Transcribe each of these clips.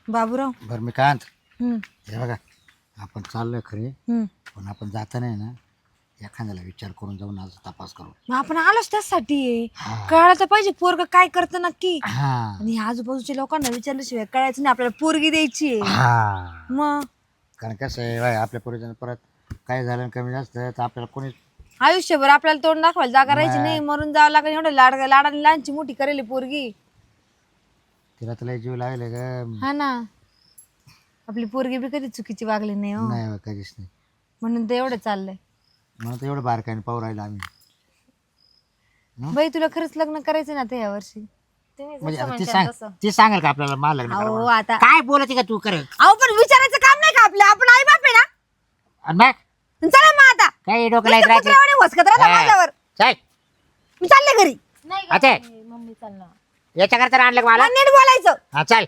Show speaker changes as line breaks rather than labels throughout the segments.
बाबूराव.
बरं मी काय आणतो
हम्म,
हे बघा आपण चाललोय खरे
हम्म.
पण आपण जाता नाही ना एखाद्याला विचार करून जाऊन आज तपास करू.
मग आपण आलोच त्यासाठी
हा.
कळायला तर पाहिजे पोरग काय करतं नक्की.
हा
आणि आजूबाजूच्या लोकांना विचारल्याशिवाय कळायचं नाही आपल्याला पोरगी द्यायची आहे.
हा
मग
कारण कसं आहे बाय आपल्या पूर्वजांना परत काय झालं आणि कमी जास्त तर आपल्याला कोणी
आयुष्यभर आपल्याला तोंड दाखवायला जागा राहायची
मग.
नाही, मरून जावं लागेल. एवढं लाडाने लहानची मोठी करेल पोरगी.
तिला तुला जीव लागले ग.
हा ना, आपली पोरगी बी कधी चुकीची वागली नाही हो,
नाही कधीच नाही
म्हणून तर एवढं चाललंय.
म्हणून तर एवढं बारकाईने पाहू राहिलं आम्ही.
बाई तुला खरंच लग्न करायचं ना आता या वर्षी?
म्हणजे आता ती सांगेल का आपल्याला मला लग्न
अहो
करावं?
आता
काय बोलते का तू करत
अहो पण विचारायचं काम नाही का आपलं? आपण आई बाप आहे ना.
आणि मग
चला मग आता
काय डोकं लाईत राहते
कुत्र्यावानी वसकत राहता माझ्यावर.
चल
मी चालले घरी.
आता
मम्मी चालणार.
याच्या करता आणलं का मला
मला नीट बोलायचं.
हा चल.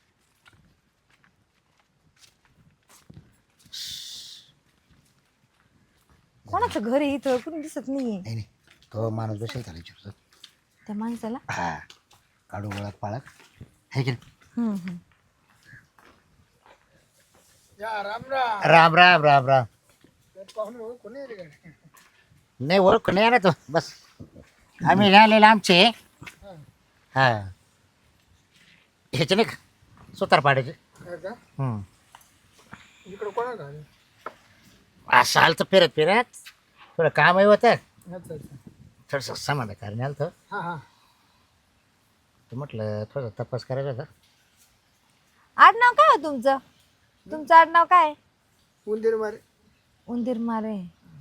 कोणाचं घर आहे इथं? कुणी दिसत नाहीये.
नाही नाही तो माणूस बसेल त्याला विचारतो.
त्या माणसाला
हा काढू ओळख पाळख है की नाही?
हम्म, हम्म.
राम राम राम राम. नाही ओळख नाही ना तो बस आम्ही राहिलेलं आमचे हा ह्याचे नाही का सुतारपाड्याचे.
इकडे कोणा का?
असं आलं तर फिरत फिरत थोडं कामही होतं
अच्छा अच्छा.
थोडंसं समाधान कारण आलं तर
हा हा.
म्हटलं थोडं तपास करायचा होता.
आडनाव काय हो तुमचं? तुमचं आडनाव काय?
उंदीर मारे.
उंदीर मारे.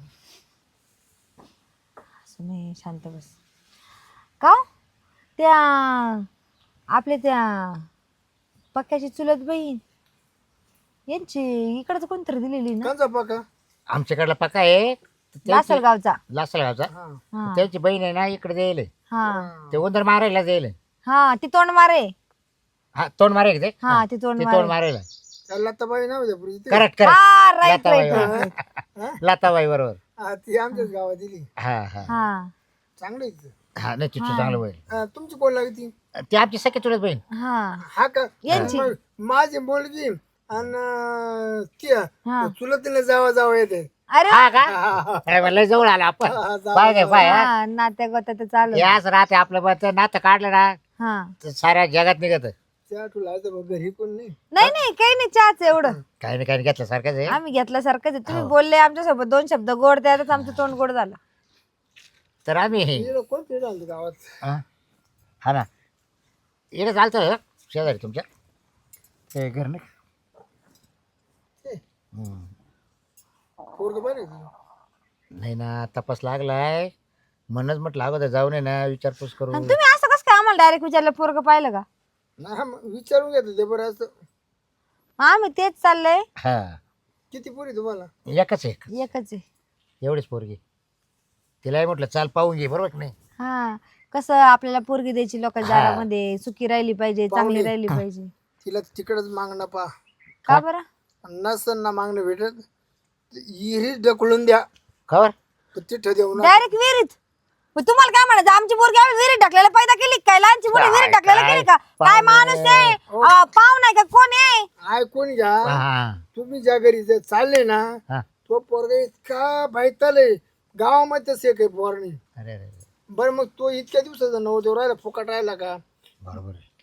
असं नाही, शांत बस. का हो? त्या आपल्या त्या पक्क्याची चुलत बहीण यांची इकडचं कोणतरी दिलेली ना,
कांचा पाका.
आमच्याकडला पक्का आहे
लासलगावचा.
लासलगावचा.
हा
हा
त्याची बहीण आहे ना इकडे जाईल
हा
ते उंदर मारायला जाईल.
हा, ती तोंड मारे.
हा तोंड मारेल ते
हा, ती तोंड
ते
मारे.
तोंड मारेल.
त्याला तर बाई नाव द्या पुरी.
करेक्ट
हा,
करेक्ट
राईट
लताबाई
राईट
बरोबर.
राईट.
लताबाई बरोबर.
हा ती आमच्याच गावात दिली.
हा हा
हा
चांगली आहे ती.
हा नाही तिथं चांगलं होईल.
तुमची कोण लागती?
ती आमची सख्या चुलत बहीण.
हा
हा का?
यांची.
मग माझी मुलगी आणि ती
हा.
चुलतीला जावा जावा येते.
अरे
हा का काय म्हणलं जवळ आला आपण पाय काय पाय हा.
हा, नात्या गोत्या चालू.
याच राहते आपलं बघ नातं काढलं ना
हा,
तर साऱ्या जगात निघत.
त्या तुला आता बघ घरी कोण नाही.
नाही नाही, काही नाही, चहाच एवढं.
काही नाही काही नाही घेतलं सारखंच आहे.
आम्ही घेतल्यासारखंच आहे. तुम्ही
हो.
बोलले आमच्यासोबत 2 शब्द गोड, त्यातच आमचं तोंड गोड झालं.
तर आम्ही
इकडं कोण ते राहतं गावात?
हा हा ना इकडे चालतं शेजारी तुमच्या ते घर नाही.
ते
हम्म.
पोरगं बरं आहे का?
नाही ना तपास लागलाय म्हणूनच म्हटलं अगोदर जाऊन आहे ना विचारपूस करू.
आणि तुम्ही असं कसं काय आम्हाला डायरेक्ट विचारलं पोरग पाहिलं का?
नाही मग विचारून घेतो ते बरं असं.
मग आम्ही तेच चाललंय.
हा
किती पोरी तुम्हाला?
एकच एक
एकच आहे.
एवढीच पोरगी तिलाही म्हटलं चाल पाहून घे बरोबर की नाही.
हा, कसं आपल्याला पोरगी द्यायची लोकांच्या
हा.
दारामध्ये, सुखी राहिली पाहिजे, चांगली
पाहुणे.
राहिली पाहिजे.
तिला तिकडच मागणं पा.
का बरं?
नसन ना मागणं भेटत इरी ढकलून द्या.
खबर
तिथं देऊ ना.
डायरेक्ट विहिरीत. मग तुम्हाला काय म्हणायचं? आमची पोरगी आम्ही विहिरीत टाकलेला पैदा केली काय? लहानची मोठी विहिरीत टाकलेला
काय
केली का? काय
पाहुणे.
माणूस आहे? पाहू नाही का? कोण आहे?
ऐकून घ्या.
हा
तुम्ही ज्या घरी जर चालले ना
हा
तो पोरगा इतका बैताले गावामध्ये तसे काही पोरणी.
अरे अरे
बरं मग तो इतक्या दिवसाचा नवदेव राहिला फुकट राहिला का?
बरोबर आहे.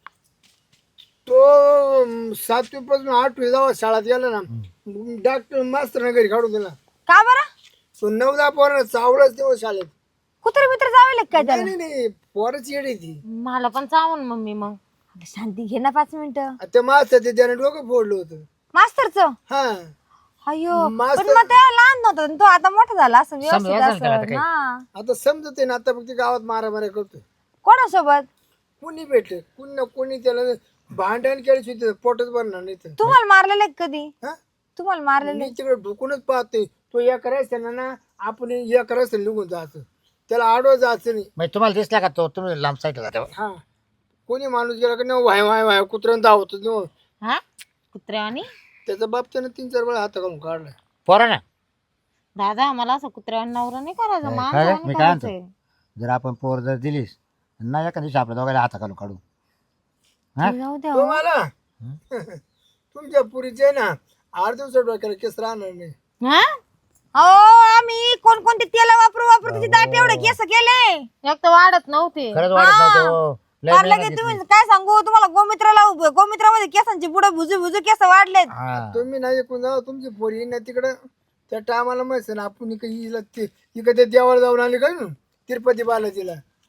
तो 7वी पासून 8वी जावा शाळेत गेला ना डॉक्टर मास्तर घरी काढून दिला.
का बरं?
तो 9-10 पोरांना चावलाच तेव्हा शाळेत.
कुत्रे मित्र जावे काय
नाही
त्याला?
नाही नाही पोराची येडी ती.
मला पण चावून मम्मी मग.
अगं शांती घे ना 5 मिनिटं.
ते मास्तर ते त्याने डोकं फोडलं होतं.
मास्तरचं?
हा
अयो, पण
मास्तर-
मग तेव्हा लहान नव्हता आणि तो आता मोठा झाला असं व्यवस्थित
समजा असेल त्याला आता
असं.
काही.
हा,
आता समजत ना आता फक्त गावात मारामाऱ्या करतोय.
कोणासोबत?
कुणी भेटले कुणी ना कुणी त्याला भांडण केल्याशिवाय त्याचं पोटच भरणार नाही तर.
तुम्हाला मारलेलं आहे कधी?
हा?
तुम्हाला मारलेलं
मी तिकडे ढुकूनच पाहतोय. तो या करायचा ना आपण या करायचं निघून जायचं. त्याला आडवं जायचं नाही.
म्हणजे तुम्हाला दिसला का तो तुम्ही लांब साईडला जाते
हा कोणी माणूस गेला का नाही वाय वाय वाय कुत्र्यानं धावतो नाही.
हा कुत्र्यावानी.
त्याचा बाप त्यानं 3-4 वेळा हात घालून काढलाय.
पोरा ना
दादा मला असं कुत्र्यावानी नवरा नाही करायचं.
काय
माणसावानी
मी काय म्हणतो
करायचंय.
जर आपण पोर जर दिलीस ना एका दिवशी आपल्या दोघांना हाता घालून काढू. हा
जाऊ द्या
तो
हो.
मला तुमच्या पुरीचे ना 8 दिवसात डोक्याला केस राहणार नाही.
हा
अहो आम्ही कोणकोणते तेल वापरू वापरू त्याची दाट एवढे केस केले.
एक तर वाढत नव्हते.
खरंच वाढत नव्हते हो. लय
फार
मेहनत
लगे
घेतली.
तुम्ही काय सांगू तुम्हाला गोमित्रामध्ये केसांची पुढे भुजू भुजू केस वाढलेत.
हा.
तुम्ही नाही ऐकून जाऊ तुमची पोरी ना तिकडं त्या टायमाला माहिती ना आपण इकडे देवाला जाऊन आली काय ना तिरुपती बालाजीला.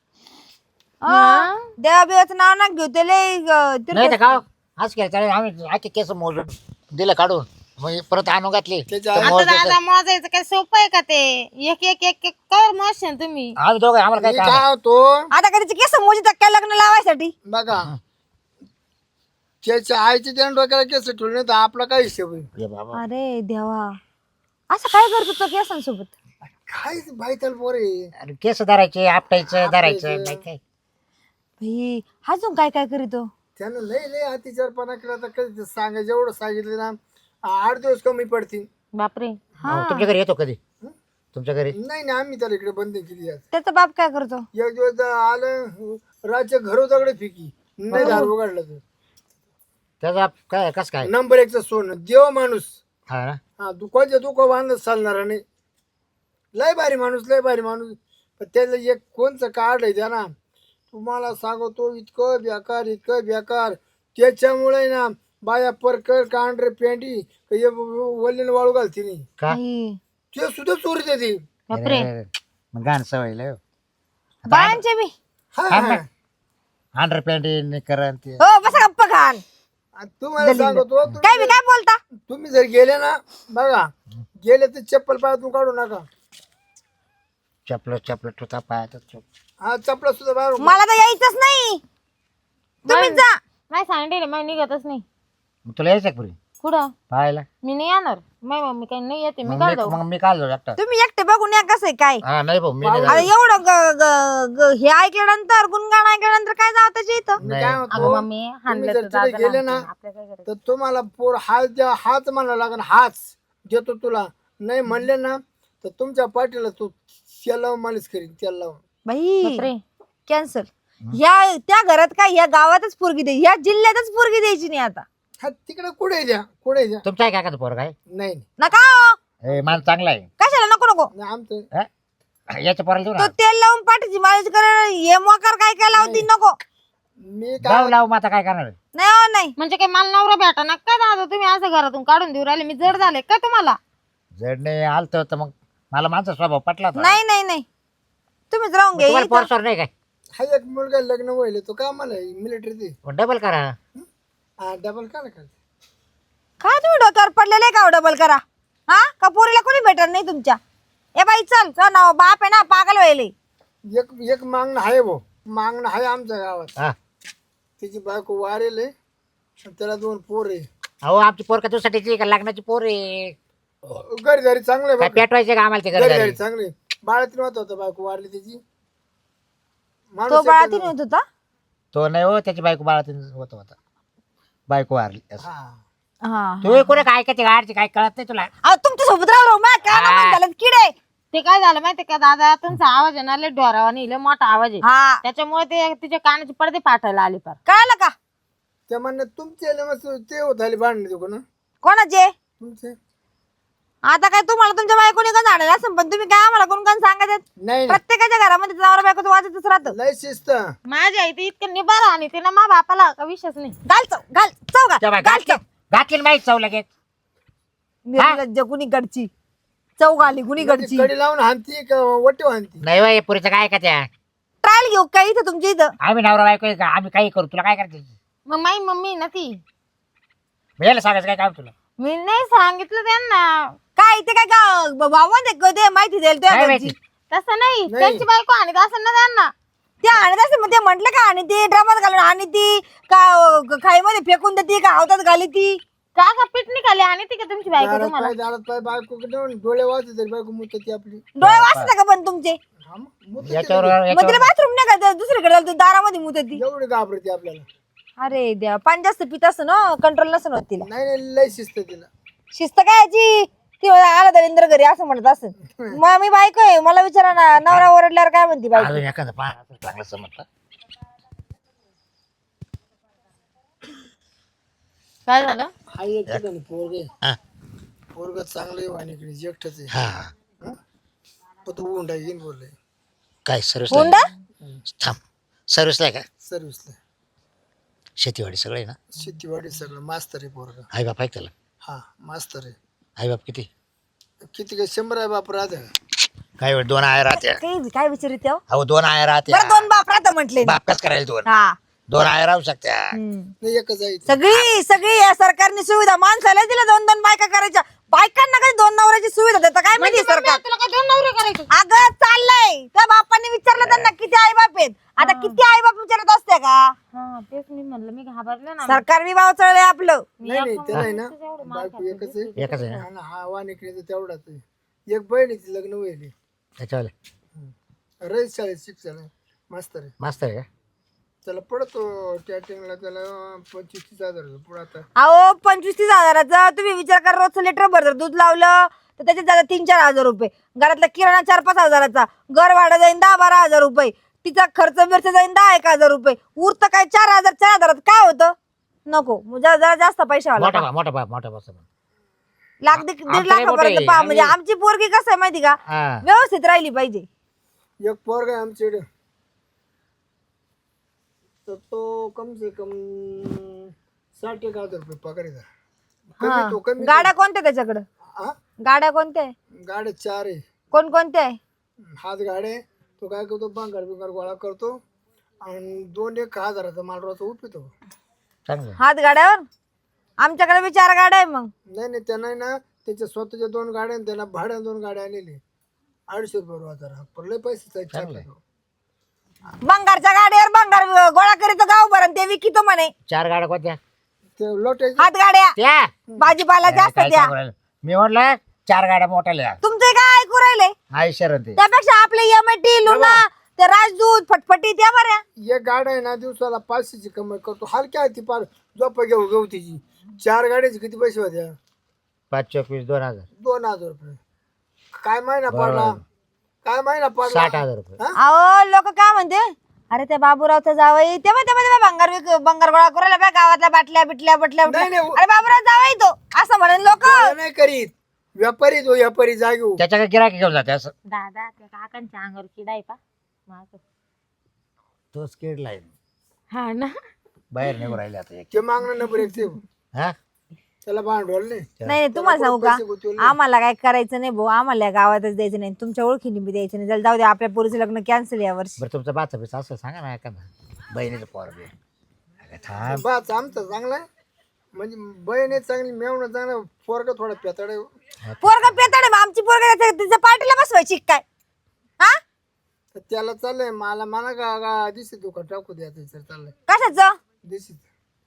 देवाबिवाचं नाव ना घेऊ ते लय
नाही तर का आज केलं चालेल आम्ही आखे केस मोजून दिलं काढून मग परत आणून घातली
त्याच्या
तर
आता
मोज
दादा मोजायचं काय सोपं आहे का ते? एक एक एक एक कर मोजशन तुम्ही.
आम्ही दोघं आम्हाला काय
मी
काम
काय होतो
आता कधीचे केस मोजित काय लग्न लावायसाठी.
बघा त्याच्या आईचे त्यानं डोक्याला केस ठेवले नाही तर आपला काय हिशोब आहे.
ये बाबा
अरे देवा असं काय करतो तो केसांसोबत.
काय बाई त्याला पोरे
अरे केस धरायचे आपटायचं धरायचं नाही काय
भाई अजून काय काय करीतो.
त्यानं लय लय अतिचारपणा केला तर कधी सांगा जेवढं सांगितलं ना 8 दिवस कमी पडतील.
बापरे.
हो, तुमच्या घरी येतो कधी तुमच्या घरी
नाही नाही आम्ही त्याला इकडे बंद केली आज.
त्याचा बाप काय करतो.
एक दिवस आलं रातच्या घरो दगडे फेकी नाही दार उघडलं तर
त्याचा काय कस काय
नंबर 1चं सोनं देव माणूस.
हा ना
हा दुकानच्या दुकान बांधत चालणार नाही. लय भारी माणूस लय भारी माणूस. पण त्याचं एक कोणचं कार्ड आहे त्या ना तुम्हाला सांगतो इतकं बेकार त्याच्यामुळे ना बाया परकर कांढरे पेंडी वल्लीन वाळू घालते नाही
का
भाई,
ते सुद्धा चोरी देते.
बापरे.
मग गाण सवय लय हो.
बायांचे बी.
हा
अंडर पॅन्ट करण ते
हो बसा गप्पा खान.
आणि तुम्हाला सांगतो
काय बी काय बोलता.
तुम्ही जर गेले ना बघा गेले तर चप्पल पायातून काढू नका.
चपल टुता पायात
हा चपला सुद्धा बाहेर
मला तर यायचंच नाही. तुम्ही जा.
नाही सांगितले मी निघतच नाही.
तुला यायचं का पुरी
कुठं
पाहायला
मी नाही येणार. माझी मम्मी काही नाही येते. मी काय जाऊ.
मग मी काल जाऊ एकटा
तुम्ही एकटे बघून या कसं आहे काय.
हा नाही भाऊ मी नाही
आता
जाणार.
एवढं हे ऐकल्यानंतर गुणगाण ऐकल्यानंतर काय जावं त्याच्या इथं.
मी काय
अगं
म्हणतो
मम्मी हाणलं
जर
तर
तिथे
दादा
गेले ना
लागतं. आपल्या काय करायचं.
तर तुम्हाला पोर हाच द्या हाच म्हणा लागेल हाच देतो तुला नाही म्हणले ना तर तुमच्या पाठीला तू तेल लावून मालिश करीन तेल लावून.
बाई
बापरे.
कॅन्सल. ह्या त्या घरात काय ह्या गावातच पोरगी द्यायची ह्या जिल्ह्यातच पोरगी द्यायची नाही आता.
हा तिकडे कुठे द्या कुठे द्या
तुमचं आहे काय का पोरग आहे
नाही नाही.
नका हो.
माल चांगला आहे
कशाला नको नको.
नाही, आमचं
हा? याच्या पोराला देऊ
तो
ना
तेल लावून पाठीची मालिश कर हे मोकार काय काय लावती नको.
मी
जाऊ
काय
लावू मग आता काय करणार
नाही हो नाही.
म्हणजे काय मला नवरा भेटा ना काय दादा तुम्ही असं घरातून काढून देऊ राहिले. मी जड झाले काय तुम्हाला.
जड नाही आलत तर मग मला माझा स्वभाव पटला होता.
नाही नाही नाही तुम्हीच राहून घ्या
तुम्हाला
इथं.
पोरसोर नाही काय
हा एक मुलगा लग्न व्हायला तो का मला मिलिटरी दे
डबल करा
हा डबल का करते.
काय तुम्ही डोक्यावर पडलेले का डबल करा. हा का पोरीला कोणी भेटत नाही तुमच्या. ए बाई चल चल ना बाप आहे ना पागल व्हायले.
एक एक मागणं आहे भाऊ मागणं आहे आमच्या गावात.
हा
तिची बायको वारेल आहे आणि त्याला 2 पोर आहे.
अहो आमची पोर का तुझ्यासाठी का लग्नाची पोर आहे
घरी घरी चांगले
काय पेटवायचे का आम्हाला ते
घरी
घरी
घरी चांगले. बाळातीन होता बायको वारली त्याची
तो
माणूस
बाळातीन होत होता.
तो नाही हो त्याची बायको बाळातीन होता बायको वारली असं.
हा
हा
तू कोणी काय ऐकते गाडची काय कळत नाही तुला
अहो तुमच्या सोबत राहू काय कानामध्ये घालत किडे.
ते काय झालं माहितीये का दादा तुमचा आवाज आहे ना लय ढोरावा नाही लय मोठा आवाज आहे.
हा
त्याच्यामुळे ते तिच्या कानाचे पडदे पाठायला आले पार.
कळलं का.
त्या म्हणणं तुमचे मस्त ते होत आले भांडणे दुकान
कोणाचे.
तुमचे
आता काय तुम्हाला तुमच्या बायकोने का झालेलं असं पण तुम्ही काय आम्हाला कोण कोण सांगायचं.
नाही
प्रत्येकाच्या घरामध्ये नवरा बायकोचं वाजतच राहतं.
लय शिस्त
माझ्या आई ते इतकं निबार आणि ते ना मा बापाला का विषयच नाही.
घाल चव घाल
घातली माहीत चव लगेच
निर्लज्ज कुणीकडची चव घाली कुणीकडची.
कडी लावून हानती का वटे हानती.
नाही बाई पुरीचं काय का त्या
ट्रायल घेऊ काय इथं तुमच्या इथं.
आम्ही नवरा बायको आहे का आम्ही काही करू तुला काय करायचं
मग माई मम्मी ना ती
याला सांगायचं काय काम तुला
मी नाही सांगितलं त्यांना.
काय ते काय भाऊ ते माहिती देईल
काय
तुझ्या
माहिती
घरची.
तसं नाही
नाही.
त्यांची बायको आणि असं ना त्यांना.
ते आणत असते मग ते म्हंटल का आणि ती ड्रामात घालून आणि ती का खाईमध्ये फेकून देते का हातात घाली ती.
का का पीठ निघाली आणि ती का तुमची बायको
दारात
तुम्हाला.
पाय दारात पाय बायको डोळे वाचते तरी बायको मुत ती आपली.
डोळे वाचता का पण तुमचे.
हा मग, मुतते
याच्यावर
मग तिला बाथरूम नाही का दुसरीकडे जायला, तू दारामध्ये मुतती.
ती. एवढी घाबरते आपल्याला.
अरे देवा पाणी जास्त पित असं ना कंट्रोल नसं होत तिला.
नाही नाही लय शिस्त तिला.
शिस्त काय याची ती आला तर इंद्र घरी असं म्हणत असं. मग मी बायको आहे मला विचारा ना नवरा ओरडल्यावर काय म्हणते बायको.
अजून एखादं पाहा चांगलं समजलं
काय झालं?
हा एक ठिकाणी पोरग
हा
पोरग चांगलं आहे वाणीकडे एकटच आहे.
हा
पण तो उंडा घेऊन बोलले
काय सर्विसला
हुंडा
थांब सर्विसला आहे का
सर्व्हिसला
शेतीवाडी सगळं आहे ना
शेतीवाडी सगळं मास्तर आहे पोरग.
आई बाप आहे त्याला
हा मास्तर आहे.
आई बाप किती
किती काय 100 आहे बाप राहते.
काय वेळ 2 आया राहत्या
काय विचारित हो?
अहो 2 आया राहत्या
बरं 2 बाप राहता म्हटले ना.
बाप कस करायला 2
हा
2 आया राहू शकत्या
हम्म.
नाही एकच आहे इथे.
सगळी या सरकारने सुविधा माणसाला दिल्या 2 बायका करायच्या बायकांना काही 2 नवऱ्याची सुविधा देतं काय माहिती सरकार.
तुला काय 2 नवरे करायचे?
अगं चाललंय त्या बापाने विचारलं त्यांना किती आई बाप आहेत. आता किती आई बाप विचारत असते का?
हा तेच मी म्हणलं, मी घाबरले ना.
सरकार विभाग चळलंय आपलं.
नाही त्याला आहे ना बायको एकच आहे.
एकच आहे ना
हा ना, हा वाणीकडे तेवढाच आहे. एक बहिणीचं लग्न होईल
त्याच्यावाले
रईस शाळेत शिक्षण आहे. मास्तर आहे.
मस्त आहे का
त्याला पडतो कॅटरिंगला त्याला 25,000 पुढे आता.
अहो 25-30 हजाराचा तुम्ही विचार करा. रोजचं लिटर भर जर दूध लावलं तर त्याच्यात जातात 3-4 हजार रुपये. घरातला किराणा 4-5 हजाराचा. घर भाडं जाईन 10-12 हजार रुपये. तिचा खर्च बिर्च जाईन 10-1 हजार रुपये. उरतं काय 4 हजारात काय होतं? नको जरा जास्त पैसे वाला
मोठा बाप
लाख दीड
आमचं
लाखापर्यंत
मोठं
पहा.
आहे.
म्हणजे आमची पोरगी कसं आहे माहिती का
हा
व्यवस्थित राहिली पाहिजे.
एक पोरगा आहे आमच्याकडे तर तो कम से कम 60,000 रुपये पगार आहे.
हा.
कमी तो कमी
गाड्या कोणत्या त्याच्याकडं?
हा?
गाड्या कोणत्या आहे?
गाड्या 4 आहे.
कोणत्या आहे?
हात गाड्या तो काय करतो बिंगार गोळा करतो आणि 2-1 हजाराचा माल रोज उपितो.
चांगलं
हात गाड्यावर आमच्याकडे बी 4 गाड्या आहे. मग
नाही त्यांना ना त्याच्या स्वतःच्या 2 गाड्या आणि त्यांना भाड्या 2 गाड्या आणलेली 250 रुपये हजार पडले पैसे
चांगलं आहे.
बंगारच्या गाड्यावर बंगार गोळा करीत गाव भरण ते विकितो म्हणे.
4 गाड्या कोणत्या
ते लोटायचे
हात गाड्या
त्या
भाजीपाला जास्त
काय
द्या.
सांगू राहिलं? मी म्हटलं 4 गाड्या मोठ्या
तुमचे काय ऐकू राहिले?
आई शरण ते
त्यापेक्षा आपले एमटी लुना ते राजदूत फटफटी त्या बऱ्या.
एक गाड्या आहे ना दिवसाला 500ची कमाई करतो. हलक्या आहे ती पार झोप घेऊ तिची. 4 गाड्याचे किती पैसे होत्या?
5 24 2000
2,000 रुपये. काय महिना पडला? काय महिना पडला?
60,000 रुपये
अहो लोक काय म्हणते अरे त्या बाबूरावचा जावई तेव्हा बंगार गोळा करायला बा गावातल्या बाटल्या बिटल्या बटल्या
नाही, नाही.
अरे बाबूराव जावई तो असं म्हणेन लोक.
गोळा नाही करीत. व्यापारी जागेऊ.
त्याच्याकडे गिराकी घेऊन जाते असं
दादा त्या काकांच्या अंगावर किडा आहे पा माझं.
तोच किडलाय
हा ना.
बाहेर निघून राहिले आता एक
ते मागणं नंबर 1 ते
हा
त्याला भांडवल नाही.
नाही तुम्हाला सांगू का
पैसे गुंतवले नाही.
आम्हाला काय करायचं नाही भाऊ. आम्हाला या गावातच द्यायचं नाही. तुमच्या ओळखीने बी द्यायचं नाही. जाऊ दे आपल्या पोरीचं लग्न कॅन्सल या वर्षी.
बरं तुमचं बाचा बिचा असं सांगा ना एखादा बहिणीचं पोर बी थांब
बाच आमचं चांगला आहे म्हणजे बहीण आहे चांगली मेवणं चांगलं पोरग थोडा पेताड आहे.
पोरग पेताड आमची पोरग तिच्या पार्टीला बसवायची काय? हा
तर त्याला चाललंय मला का दिसत दुकान टाकू द्यायचं सर चाललंय
कशाचं?
दिसत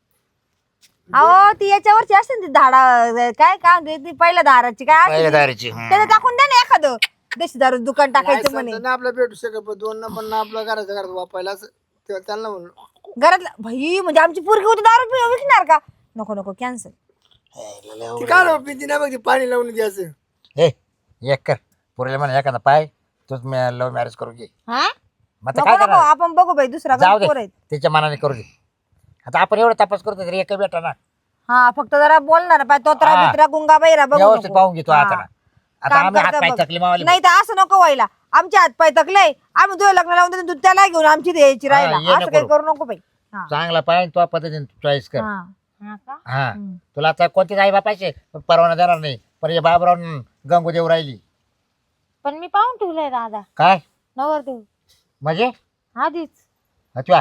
अहो ती याच्यावरची असते ना ती धाडा काय म्हणते ती पहिल्या दाराची काय असते
पहिल्या
ती?
दारीची
त्याला टाकून द्या ना एखादं देशी दारू दुकान टाकायचं म्हणे.
ना आपला भेटू शकत पण 2 पण ना आपल्या घरात वापरायला असं तेव्हा त्यांना म्हणलं
घरातला भाई म्हणजे आमची पोरगी होती दारू विकणार का? नको कॅन्सल.
ती काय राव पिती नाही बघ ती पाणी लावून द्यायचं.
हे एक कर पोरीला म्हणा एखादा पाय तूच लव्ह मॅरेज करू घे
हा
मग आता काय
नको
करणार
आपण बघू बाई दुसरा
जाऊ
पोर
दे
आहेत.
त्याच्या मनाने करू दे आता आपण एवढं तपास करतो तरी एक बेटा ना
हा फक्त जरा बोलणार पाय तोत्रा
हा.
बित्रा गुंगा बैरा बघू
व्यवस्थित
नको.
पाहून घेतो
हा.
आता ना. आता
काम
आम्ही हात
करता
पाय
बघ.
थकली मावली
नाही तर असं नको व्हायला. आमचे हात पाय थकले आम्ही तुझं लग्न लावून देतो तू त्याला घेऊन आमची द्यायची
ये
राहिला असं
नको
काही
करू.
करू नको बाई. हा.
चांगला पाय तो पद्धतीने चॉईस कर
हा.
हा का.
हा तुला आता कोणतीच आई बापाचे परवाना देणार नाही पण हे बाबराव गंगू देऊ राहिली
पण मी पाहून ठेवलंय दादा
काय
नवरदेव
म्हणजे
आधीच.
तुला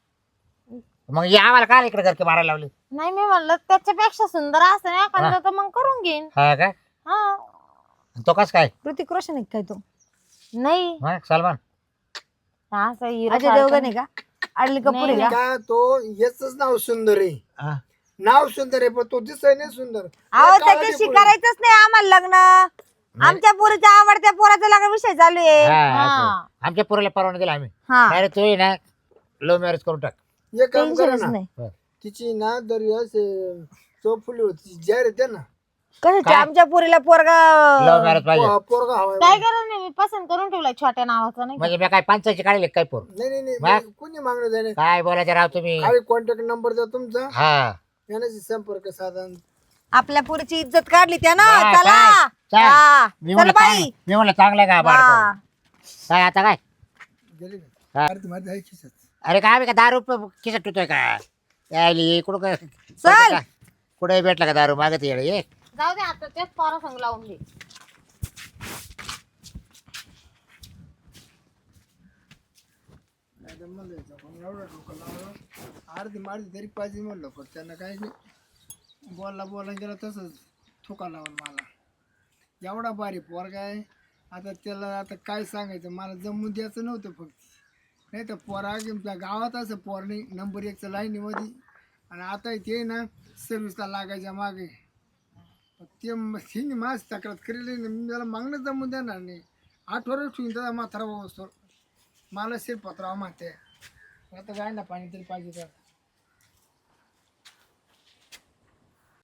मग ये आम्हाला काय इकडे घरके मारायला लावली
नाही मी म्हणलं त्याच्यापेक्षा सुंदर असं एखादं तर मग करून घेईन.
हा का
हा
तो कस काय
ऋतिक रोशन आहे काय तो?
नाही
हा सलमान
असं हिरो
अजय देवगण आहे का? अडली कपूर आहे का?
का तो याच नाव सुंदर आहे.
हा.
नाव सुंदर आहे पण तो दिसाय नाही सुंदर.
अहो त्याच्याशी करायचंच नाही आम्हाला लग्न. आमच्या पोरीच्या आवडत्या पोराचा लग्न विषय चालू आहे.
हा, असं. आमच्या पोराला परवाना दिला आम्ही
हा
अरे तू ये ना लव्ह मॅरेज करून टाक
एक काम करा
टेन्शनच
ना
नाही.
तिची ना दरी असे चौफुली होती जाहीर येते ना
कशाची आमच्या पोरीला पोरगा
लव्ह मॅरेज पाहिजे
पोरगा हवाय.
काय करत नाही मी पसंत करून ठेवलाय छोट्या नावाचा नाही का?
म्हणजे मी काय पंचायची काढले काय पोर
नाही
मग?
कोणी मागणं जाणे
काय बोलायचं राव तुम्ही
खाली कॉन्टॅक्ट नंबर द्या तुमचा
हा
यानाशी संपर्क साधन.
आपल्या पुरीची इज्जत काढली त्या ना.
हा,
चला
काय? चल.
हा,
मी
चल
म्हणलं
बाई.
मी म्हणलं चांगलं का बाळ
हा.
काय आता काय
गेली
हा.
का अरे माझ्या आहे खिशात.
अरे काय आम्ही का दारू खिशात ठेवतोय का यायली कुठं काय
चल.
कुठे भेटला का दारू मागत येडे ये
जाऊ दे आता तेच पोरा संग लावून दे.
नाही तर म्हणलं याचं पण एवढं डोकं लावलं अर्धी मारली तरी पाहिजे म्हणलं पण त्यांना काही नाही बोलला गेला तसंच ठोका लावून मला. एवढा भारी पोरगा आहे. आता त्याला आता काय सांगायचं मला जमून द्यायचं नव्हतं फक्त. नाही तर पोरा तुमच्या गावात असं पोर नाही नंबर 1चं लाईनीमध्ये. आणि आता ते ना सर्व्हिसला लागायच्या मागे ते हिने माझ तक्रार केलेली नाही. मी त्याला मागणं जमून देणार नाही. 8 वर्ष ठेवून त्याचा म्हातारा असतो मला शिरपत्राव म्हणते. आता गायला पाणी तरी पाहिजे तर